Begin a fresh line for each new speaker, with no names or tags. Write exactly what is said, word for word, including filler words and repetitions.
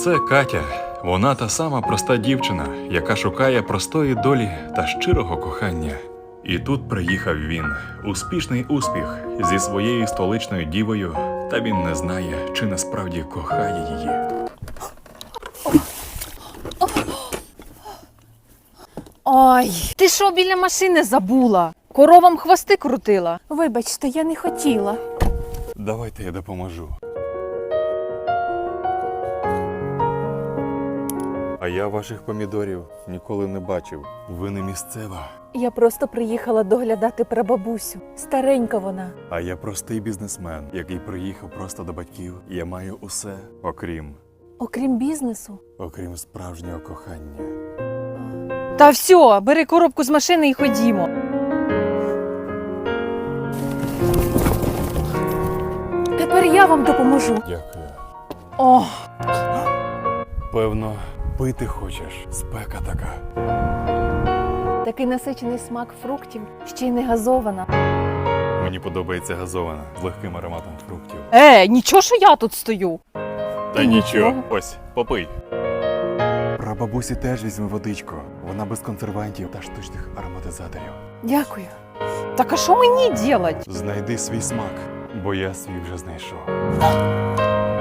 Це Катя. Вона та сама проста дівчина, яка шукає простої долі та щирого кохання. І тут приїхав він. Успішний успіх зі своєю столичною дівою, та він не знає, чи насправді кохає її.
Ой, ти що біля машини забула? Коровам хвости крутила.
Вибачте, я не хотіла.
Давайте я допоможу. А я ваших помідорів ніколи не бачив. Ви не місцева.
Я просто приїхала доглядати прабабусю. Старенька вона.
А я простий бізнесмен, який приїхав просто до батьків. Я маю усе, окрім,
Окрім бізнесу.
окрім справжнього кохання.
Та все, бери коробку з машини і ходімо.
Тепер я вам допоможу.
Дякую.
О,
Певно, пити хочеш. Спека така.
Такий насичений смак фруктів, ще й не газована.
Мені подобається газована з легким ароматом фруктів.
е, нічого, що я тут стою.
Та
нічого.
нічого. Ось, попий. Прабабусі теж візьми водичку. Вона без консервантів та штучних ароматизаторів.
Дякую.
Так а що мені делать?
Знайди свій смак, бо я свій вже знайшов.